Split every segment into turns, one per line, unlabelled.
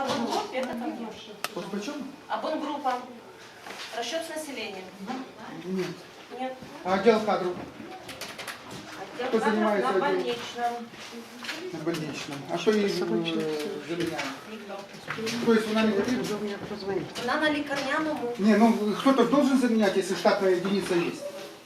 Абонгруппе это там нет.
Почем?
Абонгруппа. Расчет с населением.
Нет.
Нет.
А отдел кадров
Отдел
Кто
кадров
занимается
на
отделом?
больничном.
на больничном. А что ей заменяем?
Никто.
То есть она не потребна?
Она на лікарняному.
Не, ну кто-то должен заменять, если штатная единица есть.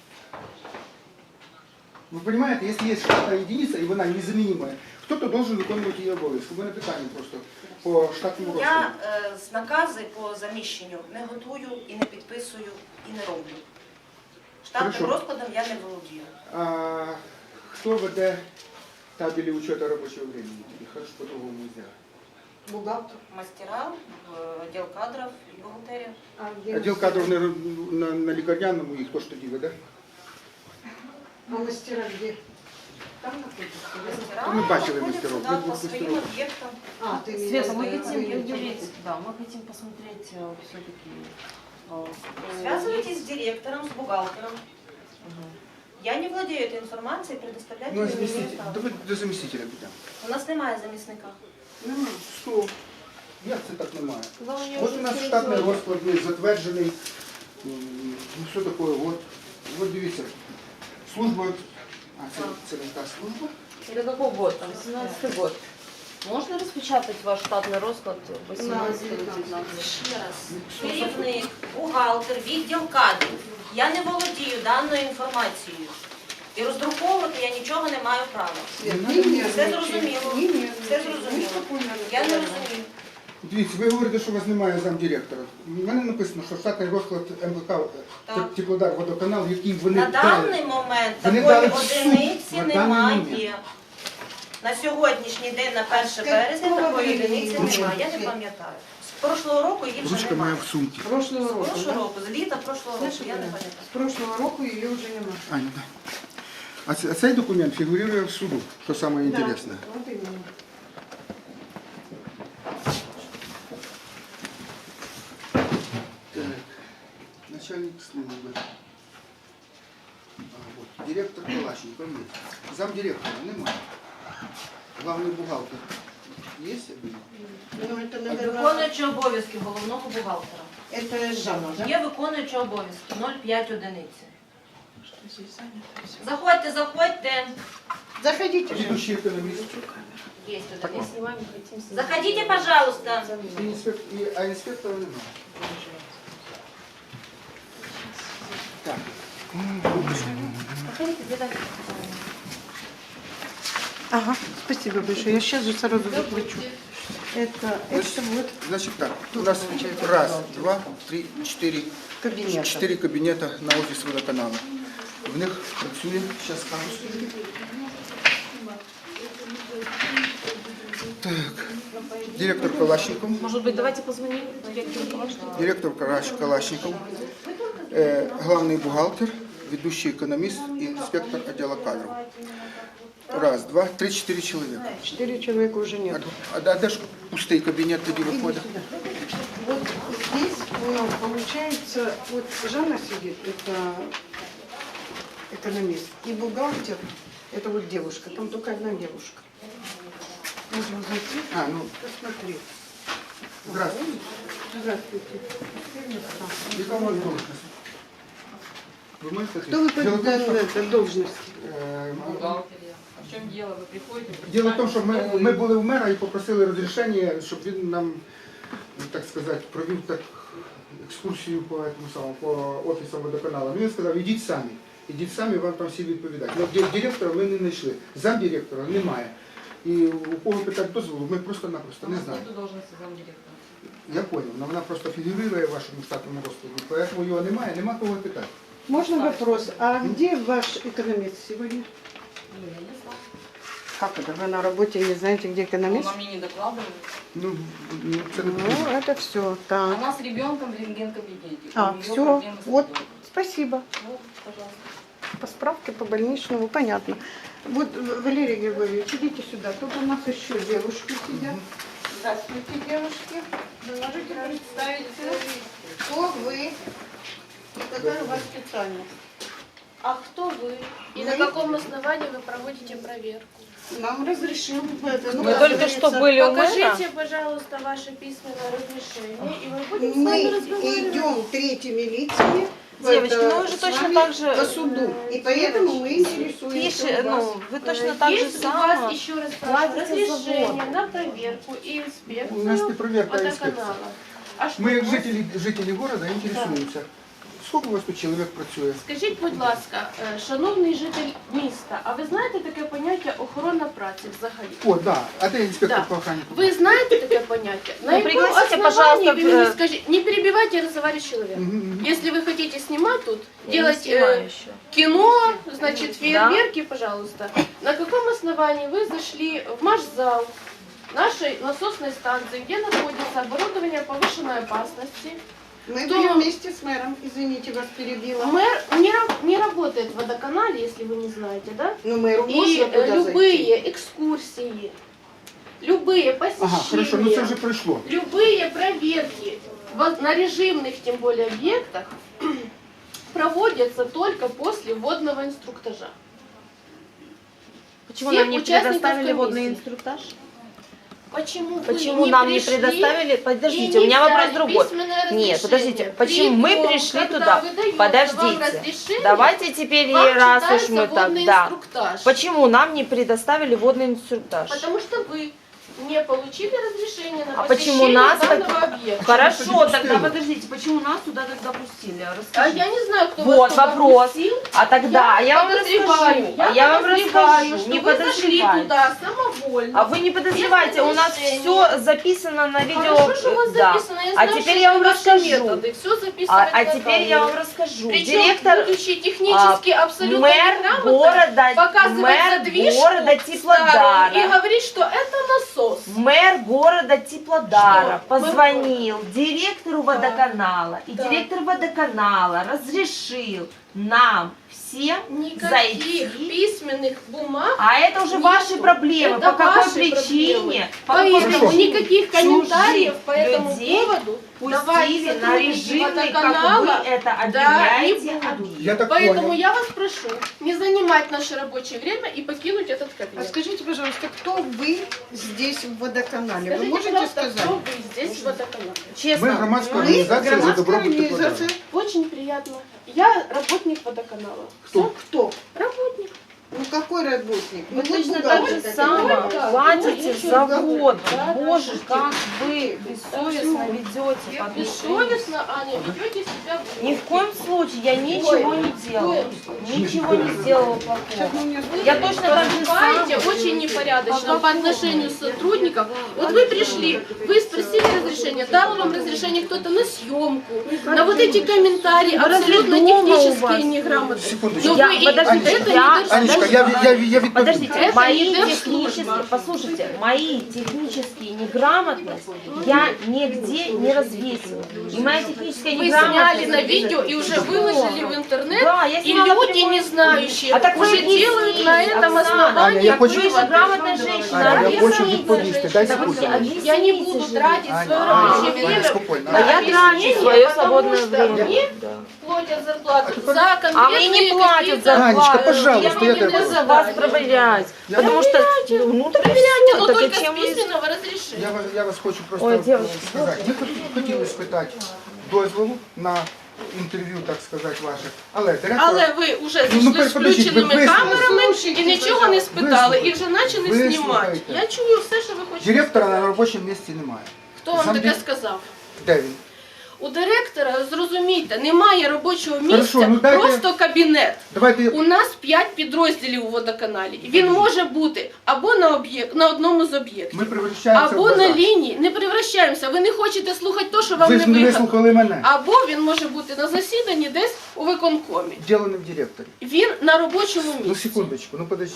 Вы понимаете, если есть штатная единица, и она незаменимая, кто-то должен виконувати її обов'язки. У мене питання просто по штатному розкладу.
Я з накази по заміщенню не готую і не підписую, і не роблю. Штатним
Хорошо.
розкладом я не володію.
А кто веде табели учета рабочего времени? Или хорошо по-другому сделать?
Бухгалтер.
Мастера, відділ кадрів і бухгалтерія.
Отдел кадров на лікарняному, і хто ж тоді веде?
А мастера где? Там находится?
Мастера
Ми бачили
знаходяться,
мастеров.
да,
Ми
по
мастеров.
своїм об'єктам.
А, ты имеешь
Света,
в
мы
виду,
хотим
вы
уделить, да, мы хотим посмотреть все-таки.
Связывайтесь с директором, с бухгалтером. Я не владею этой информацией, предоставлять
Ну,
ее не
заместитель.
имею права.
Давай до заместителя підемо.
У нас немає замісника.
Що? Як це так немає? От у нас штатний розклад є, затверджений. Ну, що таке? От дивіться. Служба. А, це не та служба?
Это какой год? Там 17-й год. Можно распечатать ваш штатный расклад 18-19?
Ще раз. Керівник, бухгалтер, відділ кадрів. Я не володію даною інформацією. І роздруковувати я нічого не маю права. Все зрозуміло. Все зрозуміло. Я не розумію.
Дивіться, ви говорите, що у вас немає замдиректора. У мене написано, що штатний розклад МВК
Так.
Теплодар, водоканал, який вони
На даний момент
Вони
такої
дали всю.
одиниці
На даний момент.
немає. На сьогоднішній день, на 1 березня, такої одиниці немає. Я не пам'ятаю. З прошлого року її вже
Ручка моя
немає.
в сумці.
Прошлого
З
року,
прошлого
да?
року, з літа прошлого року, я не
С
пам'ятаю.
прошлого року ее уже нема.
Аня, да. А цей документ фігурує в суду, що саме інтересне.
Да, вот именно.
Так, начальник службы. Вот. Директор Калашников есть. Замдиректора немає. Главный бухгалтер есть?
Ну, это, наверное,
Виконуючий обов'язки головного бухгалтера.
это Жанна, да?
Є виконуючі обов'язки 0,5 одиниці. Заходьте, заходьте.
Заходите же.
Ведущий экономист.
Є
Так мы
одиниця.
снимаем, хотим снять.
Заходите, пожалуйста.
А инспектора немає. Так.
Повторите, где дальше?
Ага, спасибо большое. Я сейчас же сразу заплачу. Это вот
Значит так, у нас раз, два, три, четыре.
кабинет.
4 кабінети на офіс водоканалу. В них працює, зараз скажу. Так, директор Калашников,
Может быть, давайте позвоним директору Калашникову?
директор Калашников, главный бухгалтер, ведущий экономист и инспектор отдела кадров. Раз, два, три, 4 человека.
4 человека уже нет.
А де ж пустий кабінет тоді виходить?
Вот здесь у нас получается, вот Жанна сидит, это экономист, и бухгалтер, это вот девушка, там только одна девушка. Можно зайти,
А, ну,
посмотри.
здравствуйте.
Здравствуйте.
Яка у вас должность? Ви можете
Кто вы по
Дело в том, что,
этой должности?
В чем дело? Вы приходите?
Діло в тому, що ми були в мера і попросили розрішення, щоб він нам, так сказати, провів так екскурсію по офісам водоканалу. Він сказав, ідіть самі, вам там всі відповідають. Но директора ми не знайшли, замдиректора немає. І у кого питати дозволу, ми просто-напросто не знаємо.
Нету должности замдиректора.
Я зрозумів, але вона просто фігурує в вашому штатному розкладі, тому його немає, нема кого питати.
Можно вопрос? А где ваш экономист сегодня? Как это? Вы на работе не знаете, где экономист?
Он мне не докладывает.
Ну, це не
Ну, это все. Так.
Она с ребенком в рентген-кабинете.
А,
У неё
все.
проблемы с
Вот,
ребенком.
спасибо.
Вот, пожалуйста.
По справке, по больничному, понятно. Вот, Валерий Григорьевич, идите сюда. Тут у нас еще девушки сидят. Здравствуйте, девушки. Вы можете представиться, кто вы и какая у вас специальность?
А кто вы? И на каком основании вы проводите проверку?
Нам разрешил это.
Мы только что были у мэра.
Покажите, пожалуйста, ваше письменное разрешение, и мы будем с вами
Мы
разговаривать.
идем третьими лицами
Девочки,
это,
ну вы же
с
точно
вами
так же,
по суду. И поэтому мы интересуемся
Пиши,
у вас.
ну, вы точно так же
Есть у
само
вас, еще раз спрашиваю,
платите за
разрешение
воду.
на проверку и
У нас не
инспекцию
проверка, а инспекция.
водоканала? А що
Ми, як
у вас?
жителі города, інтересуємося. Скільки у вас тут чоловік працює?
Скажіть, будь ласка, шановний житель міста, а ви знаєте таке поняття охорона праці взагалі?
О, да. А де інспектор
Да.
по охрані?
Вы знаете такое понятие? На
Ну,
каком
пригласите,
основании
пожалуйста,
вы мне скажите, не перебивайте разговаривать человека.
Мгм.
Если вы хотите снимать тут,
Я не
делать
снимаю еще.
кино, значит, фейерверки, пожалуйста. На каком основании вы зашли в марш-зал нашей насосной станции, где находится оборудование повышенной опасности?
Мы
Кто-
были вместе с мэром, извините, вас перебила.
Мэр не работает в водоканале, если вы не знаете, да?
Но мэру
И
можно туда зайти.
любые экскурсии, любые посещения,
Ага, хорошо, ну це вже пройшло.
любые проверки на режимных, тем более, объектах проводятся только после водного инструктажа.
Почему
Всех
нам не
участников
предоставили водный
комиссии.
инструктаж?
Почему
Нам не
пришли
предоставили?
и
Подождите,
не
у меня вопрос
взяли
другой.
письменное
Нет,
разрешение?
подождите, почему мы
Притом,
пришли
когда
туда?
выдается вам
Подождите,
разрешение,
давайте теперь,
вам
раз уж
читается
мы так,
водный
да.
инструктаж.
Почему нам не предоставили водный инструктаж?
Потому что вы не получили разрешение на
А почему
посещение
нас
данного объекта.
Хорошо,
Почему
тогда
пустили?
подождите, почему нас туда тогда пустили?
А
Расскажите.
я не знаю, кто
Вот
вас туда
вопрос.
пустил.
А тогда я вам
подозреваю,
расскажу. Я вам
подозреваю,
расскажу.
что
Не
вы зашли
подозревайте.
туда самовольно.
А вы не подозревайте, у нас
разрешения.
все записано на видео.
Хорошо, что у вас
Да.
записано. Я
А
знаю,
теперь
что
я вам
это ваши
расскажу.
методы. Все записано
А
на
теперь я вам
камеру.
расскажу.
Причем,
Директор,
будучи технически абсолютно
мэр
неграмотно,
города,
показывает
мэр
задвижку
города
старую и
Теплодара.
говорит, что это насос.
Мэр города Теплодара
Что?
позвонил директору водоканала, и
Да.
директор водоканала разрешил нам всем
Никаких
зайти.
письменных бумаг.
А это уже
Нету.
ваши проблемы.
Это
по какой
ваши
причине?
проблемы.
По какой
Поэтому
Хорошо.
никаких комментариев по этому
людей
поводу давать
пустили на
сотрудники
режимный, как
водоканала,
вы это
да,
объявляете.
не буду.
объект.
Я так
Поэтому
понял.
я вас прошу не занимать наше рабочее время и покинуть этот
А
кабинет.
скажите, пожалуйста, кто вы здесь в водоканале? Вы
Скажите,
можете
пожалуйста,
сказать?
кто вы здесь в водоканале?
Честно.
Ми громадська
Вы
організація за
громадская
добробут Теплодара.
организация.
Очень приятно. Я работник водоканала.
Кто?
Кто?
Работник.
Ну какой работник?
Вы
Ну,
точно
вот
так же
бухгалтер.
само
да.
платите
Ну,
за
да.
воду.
Да,
Боже,
да.
как вы бессовестно ведете по отношению.
Бессовестно, Аня, ведете себя
Ни в коем случае я ничего не делала. Ничего не сделала плохого.
Сейчас мы мне
Я точно так же
поступаете
сама.
очень непорядочно по отношению к сотрудникам. Вот вы пришли, вы спросили разрешение, дал вам разрешение кто-то на съемку, на вот эти комментарии абсолютно
дома у вас?
технические неграмотные.
Секундочку.
Но вы и
Подождите,
это
я-
не
Анечка,
должны.
я відповім.
Подождите,
Это
мои
не
технические,
держслужба.
послушайте, мои технические неграмотность я нигде не развесила. И моя техническая
Вы
неграмотность...
сняли на видео и уже выложили в интернет,
Да, я
и
сняла
люди,
прямой
не знающие,
А так вы
уже
объясните,
делают на этом
Оксана.
основании
Аня, я
Вы
хочу-
же грамотная женщина,
Аня, я хочу
объясните.
відповісти. Дай
Так,
секунду.
объясните
Я не буду
же.
тратить
Аня,
свое
Аня,
рабочее
Аня,
время.
спокойно.
А я
Объяснение,
трачу свое
потому
свободное
что
время.
мне
Да.
платят зарплату
теперь-
за конкретные
А мне не платят
какие-то-
зарплату.
Анечка, пожалуйста,
я
я
не
тебя
буду
прошу.
за вас проверять.
Я-
Потому что, ну так
Проверяйте,
всё,
но
так
только
зачем
с
вы...
письменного разрешения.
Я вас хочу просто
Ой, девочки,
сказати. Ми хотіли спитати дозволу на інтерв'ю, так сказати, ваше. Але директор...
Але ви вже
Ну,
зайшли з
подождіть,
включеними
ви
камерами і нічого не спитали, і
Вислухайте.
вже почали
Вислухайте.
знімати. Я чую все, що ви хочете.
Директора на робочому місці немає.
Хто вам
Сам
таке
ді-
сказав?
Де він?
У директора, зрозумійте, немає робочого місця,
Хорошо, ну дайте-
просто кабінет.
Давайте...
У нас 5 підрозділів у водоканалі. Він може бути або на одному з об'єктів,
Ми превращаємося
або
в
на
базар.
лінії. Не превращаємося. Ви не хочете слухати те, що вам
Ви
не
ж не
вигідно.
вислухали мене.
Або він може бути на засіданні десь у виконкомі.
Діло не в директорі.
Він на робочому
Ну,
місці.
секундочку, ну подожди.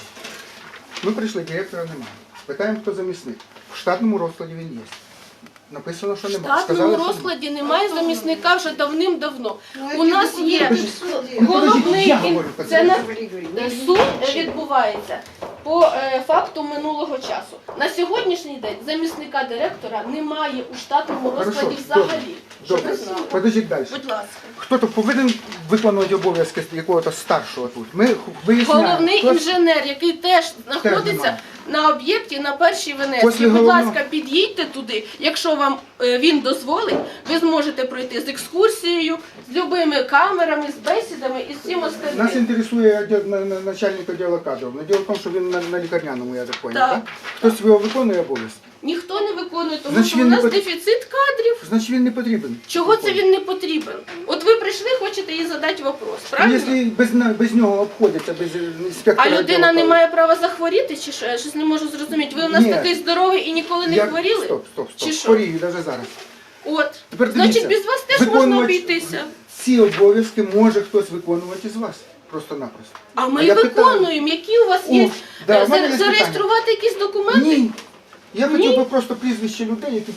Ми прийшли, директора немає. Питаємо, хто замісник. В штатному розкладі він є. Написано, що
В
немає.
штатному розкладі немає замісника вже давним-давно.
Ну,
У нас є
Ну,
головний
подождіть, я говорю,
це на
Говори, говори.
суд відбувається по факту минулого часу. На сьогоднішній день замісника директора немає у штатному розкладі
Хорошо,
взагалі. Щоб
Добре,
ви знали.
подождіть далі.
Будь ласка.
Хто-то повинен виконувати обов'язки якогось старшого тут. Ми виясняємо.
Головний
хто-
інженер, який теж знаходиться
немає.
на об'єкті на першій
Після
Венецькій. Будь
головного-
ласка, під'їдьте туди. Якщо вам він дозволить, ви зможете пройти з екскурсією, з любими камерами, з бесідами і з всім
Нас
остальним.
інтересує начальник відділу кадрів. Діло в тому, що він на лікарняному, я так понял,
Так.
так? Хтось його виконує обов'язки.
Ніхто не виконує, тому
Значить,
що у
він не
нас
пот-
дефіцит кадрів.
Значить він не потрібен.
Чого це він не потрібен? От ви прийшли, хочете їй задати вопрос,
А
правильно?
якщо без нього обходяться, без інспектора.
А людина
відділу
не має права захворіти, чи що? Я щось не можу зрозуміти. Ви у нас
Ні.
такий здоровий і ніколи не
Я-
хворіли?
Стоп.
Чи що?
Хворію навіть зараз.
От.
Тепер
Значить,
дивіться,
без вас теж можна
виконувач-
обійтися.
Ці обов'язки може хтось виконувати з вас. Просто-напросто.
А ми
я
виконуємо. Які у вас є?
да, у мене є
Зареєструвати якісь документи?
Ні. Я
Ні?
хотів би просто прізвище людей, які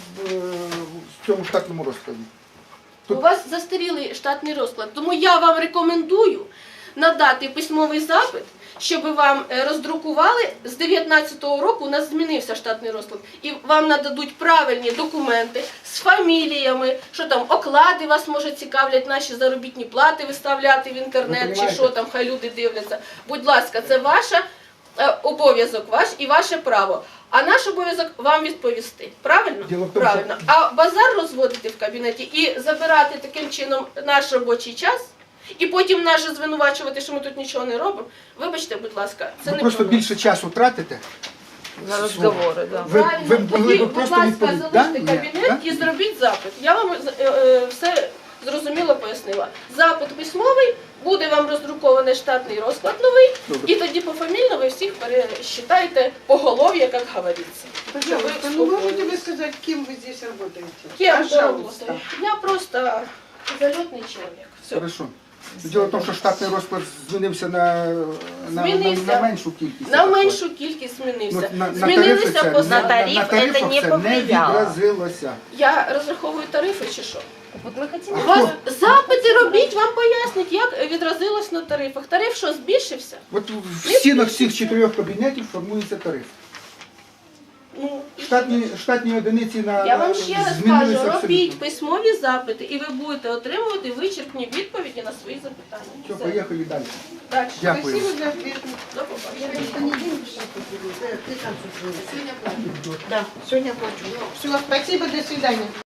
в цьому штатному розкладі.
У вас застарілий штатний розклад. Тому я вам рекомендую надати письмовий запит, щоб вам роздрукували. З 19-го року у нас змінився штатний розклад. І вам нададуть правильні документи з фаміліями, що там оклади вас, може, цікавлять, наші заробітні плати виставляти в інтернет, чи
понімаєте?
що там, хай люди дивляться. Будь ласка, це ваша обов'язок ваш і ваше право. А наш обов'язок вам відповісти. Правильно?
Діло в тому,
Правильно. А базар розводити в кабінеті і забирати таким чином наш робочий час, і потім нас же звинувачувати, що ми тут нічого не робимо. Вибачте, будь ласка, це
Ви
не
просто
про нас.
більше часу тратите.
На разговоры, да.
Ви
Правильно.
могли
Тоді,
б
будь
просто
ласка,
відповісти.
залиште
Ні?
кабінет і зробіть запит. Я вам все зрозуміло пояснила. Запит письмовий, буде вам роздрукований штатний розклад новий,
Добре.
і тоді пофамільно ви всіх пересчитаєте поголов'я, як говориться.
Пожалуйста, ну можете вы сказать, кем вы здесь работаете?
Кем
Пожалуйста.
работаю? Я просто зальотний чоловік. Все.
Хорошо. Діло в тому, що штатний розклад змінився на
Змінився.
меншу кількість.
На
я так
меншу кількість змінився.
понял. На
Змінилися
тарифи це-
посади.
На тариф
на тарифах
це не
це
повлияло.
відразилося.
Я розраховую тарифи чи що?
Вот мы хотим...
У вас запити робіть, вам пояснять, як відразилось на тарифах. Тариф що, збільшився?
От в стінах всіх 4 кабінетів формується тариф.
Ну,
Штатні одиниці на
я вам ще раз
змінилися
кажу, робіть
абсолютно.
письмові запити, і ви будете отримувати вичерпні відповіді на свої запитання.
Все,
Все.
поїхали далі.
Далі.
Дякую.
Спасибо за ответ.
До побачення.
Да, сегодня плачу. Все, спасибо, до свидания.